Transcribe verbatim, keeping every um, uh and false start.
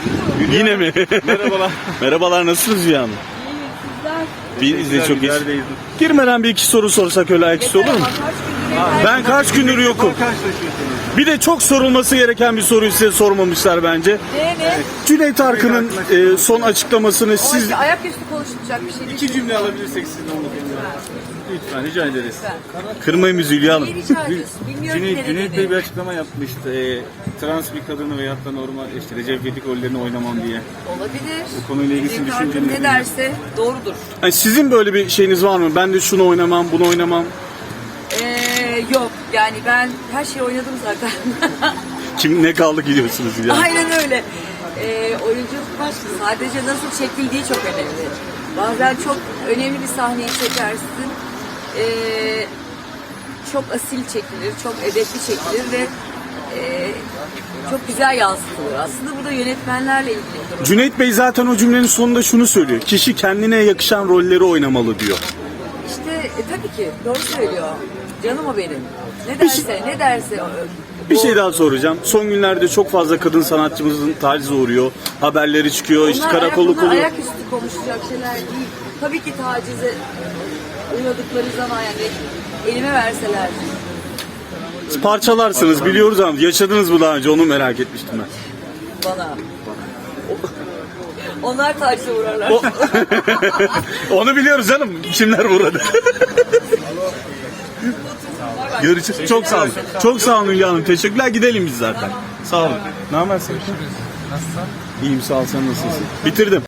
Yine mi? Merhabalar. Merhabalar, nasılsınız Hülya Hanım? İyi, Biz de çok iyiyiz. Neredeyiz? Girmeden bir iki soru sorsak öyle ayaküstü olur mu? sizler. Ben kaç gündür yokum. Karşılaşıyorsunuz. Bir de çok sorulması gereken bir soruyu size sormamışlar bence. Ne ne? Cüneyt Arkın'ın e, son açıklamasını Siz... siz... Ayaküstü konuşulacak bir şey değil. İki cümle alabilirsek sizden onu. Lütfen rica ederiz. Kırmayın bizi Hülya Hanım. Neyi rica ediyorsun? Bilmiyorum Cüneyt, ki Cüneyt ne Bey bir dedi. açıklama yapmıştı. E, trans bir kadını veyahut da normal işte Recep İvedik rollerini oynamam diye. Olabilir. Bu konuyla ilgili Cüneyt düşünceniz Arkın nedir? ne derse doğrudur. Yani sizin böyle bir şeyiniz var mı? Ben de şunu oynamam, bunu oynamam. Ee, yok yani ben her şeyi oynadım zaten. Kim ne kaldı gidiyorsunuz Hülya Hanım? Aynen öyle. Ee, oyunculuk başka. Sadece nasıl çekildiği çok önemli. Bazen çok önemli bir sahneyi çekersin. Ee, çok asil çekilir, çok edepli çekilir ve e, çok güzel yansıtılır. Aslında bu da yönetmenlerle ilgili bir durum. Cüneyt Bey zaten o cümlenin sonunda şunu söylüyor. Kişi kendine yakışan rolleri oynamalı diyor. İşte e, tabii ki doğru söylüyor. Canım o benim. Ne derse, ne derse. o- Bir o- şey daha soracağım. Son günlerde çok fazla kadın sanatçımızın tacize uğruyor. Haberleri çıkıyor, işte Bunlar karakolluk ayak, bunlar oluyor. ayaküstü konuşacak şeyler değil. Tabii ki tacize uğradıkları zaman yani elime verseler. Parçalarsınız biliyoruz ama yaşadınız mı daha önce, onu merak etmiştim ben. Bana. Onlar tacize uğrarlar. O- Onu biliyoruz canım. Kimler burada? Görüşürüz. Çok sağ olun. Çok sağ olun Hülya Hanım. Teşekkürler. Gidelim biz zaten. Sağ olun. Ne haber sen? Nasılsın? İyiyim, sağ ol. Sen nasılsın? Bitirdim.